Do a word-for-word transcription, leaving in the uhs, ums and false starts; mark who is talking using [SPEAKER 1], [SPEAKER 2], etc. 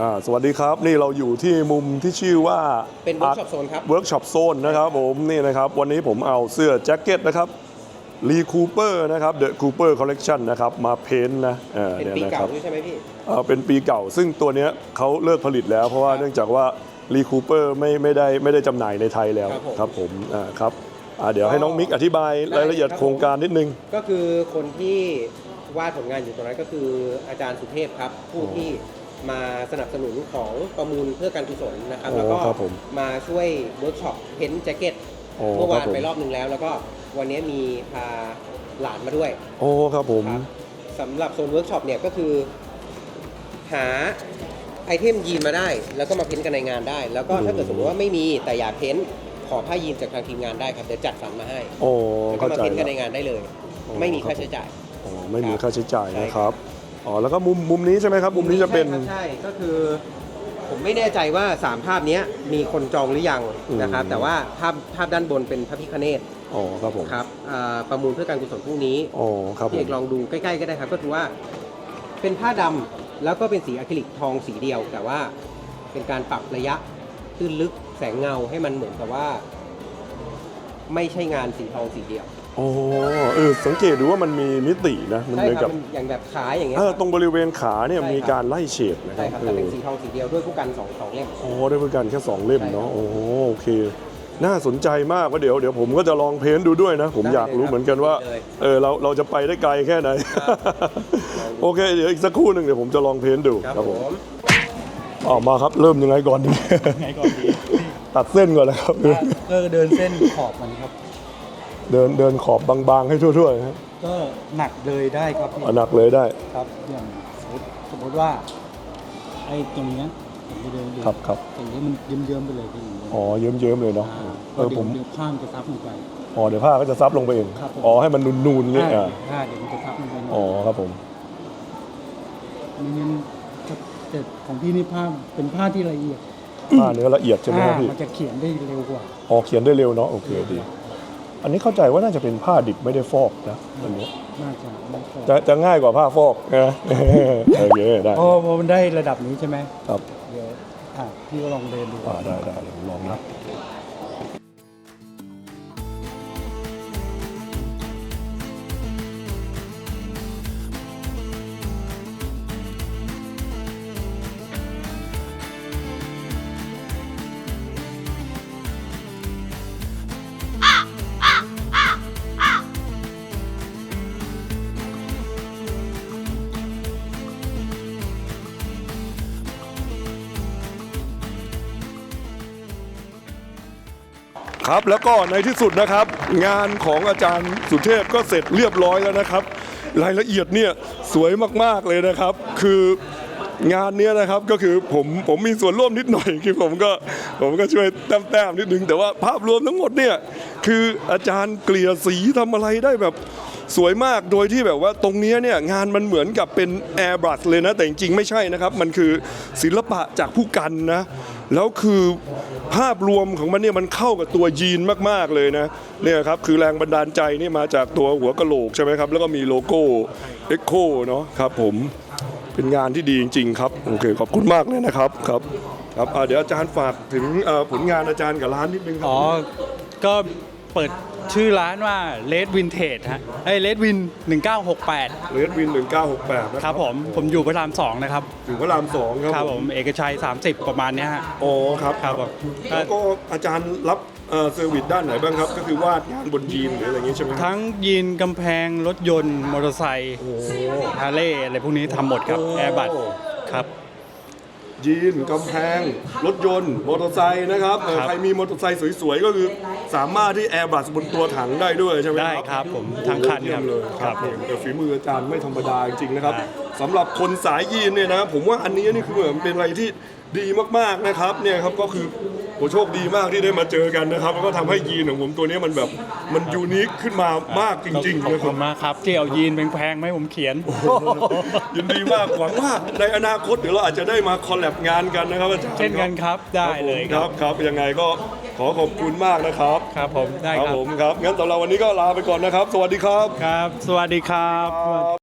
[SPEAKER 1] อ่าสวัสดีครับนี่เราอยู่ที่มุมที่ชื่อว่า
[SPEAKER 2] เป็นเวิร์กช็อปโซนครับ
[SPEAKER 1] เวิร์กช็อปโซนนะครับผมนี่นะครับวันนี้ผมเอาเสื้อแจ็คเก็ตนะครับลีคูเปอร์นะครับเดอะคูเปอร์คอลเลกชันนะครับมาเพ้นท์นะ
[SPEAKER 2] เป็นปีเก่าด้วยใช่ไหมพี่
[SPEAKER 1] เป็นปีเก่าซึ่งตัวนี้เขาเลิกผลิตแล้วเพราะว่าเนื่องจากว่าลีคูเปอร์ไม่ไม่ได้ไม่ได้จำหน่ายในไทยแล้วครับผมอ่าครับเดี๋ยวให้น้องมิกอธิบายรายละเอียดโครงการนิดนึง
[SPEAKER 2] ก็คือคนที่วาดผลงานอยู่ตรงนั้นก็คืออาจารย์สุเทพครับผู้ที่มาสนับสนุนของประมูลเพื่อการกุศลนะครับแล้วก็มาช่วยเวิร์กช็อปเพ้นท์แจ็คเก็ตเมื่อวานไปรอบหนึ่งแล้วแล้วก็วันนี้มีพาหลานมาด้วย
[SPEAKER 1] โอ้ครับผม
[SPEAKER 2] สำหรับโซนเวิร์กช็อปเนี่ยก็คือหาไอเทมยีนมาได้แล้วก็มาเพ้นท์กันในงานได้แล้วก็ถ้าเกิดสมมติว่าไม่มีแต่อยากเพ้นท์ขอผ้ายีนจากทางทีมงานได้ครับเดี๋ยวจัดสรรมาให้
[SPEAKER 1] โอ้
[SPEAKER 2] ก็มาเพ้นท์กันในงานได้เลยไม่มีค่าใช้จ่าย
[SPEAKER 1] อ๋อไม่มีค่าใช้จ่ายนะครับอ๋อแล้วก็มุมมุมนี้ใช่ไหมครับมุมนี้จะเป็น
[SPEAKER 2] ใช่ก็คือผมไม่แน่ใจว่าสามภาพนี้มีคนจองหรือยังนะครับแต่ว่าภาพภาพด้านบนเป็นพระพิฆเนศ
[SPEAKER 1] อ๋อครับผม
[SPEAKER 2] ครับประมูลเพื่อการกุศลพรุ่งนี้
[SPEAKER 1] อ๋อครับ
[SPEAKER 2] พี่เอกลองดูใกล้ๆก็ได้ครับก็คือว่าเป็นผ้าดำแล้วก็เป็นสีอะคริลิกทองสีเดียวแต่ว่าเป็นการปรับระยะตื้นลึกแสงเงาให้มันเหมือนกับว่าไม่ใช่งานสีทองสีเดียว
[SPEAKER 1] โอ้เออสังเกตดูว่ามันมีมิตินะ
[SPEAKER 2] มันเหมือนกับอย่างแบบขาอย่างเงี้ย
[SPEAKER 1] ตรงบริเวณขาเนี่ยมีการไล่เฉดนะครับ
[SPEAKER 2] ใช่ครับแต่เป็นสีทองสีเดียวด้วยผู้กันสองสองเล่ม
[SPEAKER 1] โอ้ด้วยผู้กันแค่สองเล่มเนาะโอ้โอเคน่าสนใจมากว่าเดี๋ยวเดี๋ยวผมก็จะลองเพ้นท์ดูด้วยนะผมอยากรู้เหมือนกันว่าเออเราเราจะไปได้ไกลแค่ไหนโอเคเดี๋ยวอีกสักครู่หนึ่งเดี๋ยวผมจะลองเพ้นท์ดูครับผมออกมาครับเริ่มยังไงก่อนดี
[SPEAKER 3] ยังไงก่อนดี
[SPEAKER 1] ตัดเส้นก่อนเลยครับ
[SPEAKER 3] ก็เดินเส้นขอบมันครับ
[SPEAKER 1] เดินเดินขอบบางๆให้ทั่วๆครับ
[SPEAKER 3] ก็หนักเลยได้ครับ
[SPEAKER 1] หนักเลยได้
[SPEAKER 3] ครับอย่างสมมติสมมติว่าไอ้ตรงนี้ผมจะเดิน
[SPEAKER 1] ครับครับ
[SPEAKER 3] ตรงนี้มันเยิ้มๆไปเลยพี่
[SPEAKER 1] อ๋อเยิ้มๆเลยเนาะ
[SPEAKER 3] เออผมเดี๋ยวผ้ามันจะซับลงไป
[SPEAKER 1] อ๋อเดี๋ยวผ้าก็จะซับลงไปเองอ๋อให้มันนูนๆเนี่ย
[SPEAKER 3] อ่าผ้าเดี๋ยวมันจะซับลงไป
[SPEAKER 1] อ๋อครับผม
[SPEAKER 3] ไม่งั้นแต่ของพี่นี่ผ้าเป็นผ้าที่ละเอียด
[SPEAKER 1] ผ้าเนื้อละเอียดใช่ไหมครับพี่
[SPEAKER 3] มันจะเขียนได้เร็วกว่า
[SPEAKER 1] อ๋อเขียนได้เร็วเนาะโอเคดีอันนี้เข้าใจว่าน่าจะเป็นผ้าดิบไม่ได้ฟอกนะอันนี้
[SPEAKER 3] น่าจะ
[SPEAKER 1] จะจะง่ายกว่าผ้าฟอกนะโอเคได้
[SPEAKER 3] พอพอมันได้ระดับนี้ใช่ไหม
[SPEAKER 1] ครับ
[SPEAKER 3] เดี๋ยวอ่ะพี่ก็ลองเดินดู
[SPEAKER 1] อ่าได้ได้ลองนะครับแล้วก็ในที่สุดนะครับงานของอาจารย์สุเทพก็เสร็จเรียบร้อยแล้วนะครับรายละเอียดเนี่ยสวยมากๆเลยนะครับคืองานนี้นะครับก็คือผมผมมีส่วนร่วมนิดหน่อยคือผมก็ผมก็ช่วยแต้มๆนิดนึงแต่ว่าภาพรวมทั้งหมดเนี่ยคืออาจารย์เกลี่ยสีทำอะไรได้แบบสวยมากโดยที่แบบว่าตรงนี้เนี่ยงานมันเหมือนกับเป็นแอร์บรัชเลยนะแต่จริงๆไม่ใช่นะครับมันคือศิลปะจากผู้กันนะแล้วคือภาพรวมของมันเนี่ยมันเข้ากับตัวยีนมากๆเลยนะเนี่ยครับคือแรงบันดาลใจนี่มาจากตัวหัวกะโหลกใช่ไหมครับแล้วก็มีโลโก้ Echo เนาะครับผมเป็นงานที่ดีจริงๆครับโอเคขอบคุณมากเลยนะครับครับครับเดี๋ยวอาจารย์ฝากถึงผลงานอาจารย์กับร้านนิดนึงครับ
[SPEAKER 3] อ๋อก็เปิดชื่อร้านว่า Red Vintage ฮะไอ้ Red Win หนึ่งเก้าหกแปด
[SPEAKER 1] Red Win หนึ่งเก้าหกแปด
[SPEAKER 3] นะครับผมผมอยู่พระรามสองนะครับ
[SPEAKER 1] อยู่พระรามสองครับ
[SPEAKER 3] ครับผมเอกชัยสามสิบประมาณนี้ฮะ
[SPEAKER 1] อ๋อครับ
[SPEAKER 3] ครับผม
[SPEAKER 1] แล้วก็อาจารย์รับเซอร์วิสด้านไหนบ้างครับก็คือวาดงานบนยีนหรืออะไรอย่างนี้ใช่ไหม
[SPEAKER 3] ทั้งยีนกำแพงรถยนต์มอเตอร์ไซค์ฮาร์เลย์อะไรพวกนี้ทำหมดครับแอร์บัสครับ
[SPEAKER 1] ยีนกำแพงรถยนต์มอเตอร์ไซค์นะครับใครมีมอเตอร์ไซค์สวยๆก็คือสามารถที่แอร์บัสบนตัวถังได้ด้วยใช่ไหมครับ
[SPEAKER 3] ได้ครับผมทั้งคันครับ
[SPEAKER 1] เลยครับแต่ฝีมืออาจารย์ไม่ธรรมดาจริงๆนะครับสำหรับคนสายยีนเนี่ยนะผมว่าอันนี้นี่คือเหมือนเป็นอะไรที่ดีมากๆนะครับเนี่ยครับก็คือโอ้โชคดีมากที่ได้มาเจอกันนะครับแล้วก็ทำให้ยีนของผมตัวนี้มันแบบมันยูนิคขึ้นมามากจริงๆ
[SPEAKER 3] ขอบคุณมากครับที่เอายีนแพงๆไหมผมเขียน
[SPEAKER 1] ยินดีมากหวังว่าในอนาคตเดี๋ยวเราอาจจะได้มาคอลแลบงานกันนะครับอาจารย์
[SPEAKER 3] เช่นกันครับได้เลย
[SPEAKER 1] ครับครับยังไงก็ขอขอบคุณมากนะครับ
[SPEAKER 3] ครับผมได้ครับ
[SPEAKER 1] ผมครับงั้นสำหรับวันนี้ก็ลาไปก่อนนะครับสวัสดีครับ
[SPEAKER 3] ครับสวัสดีครับ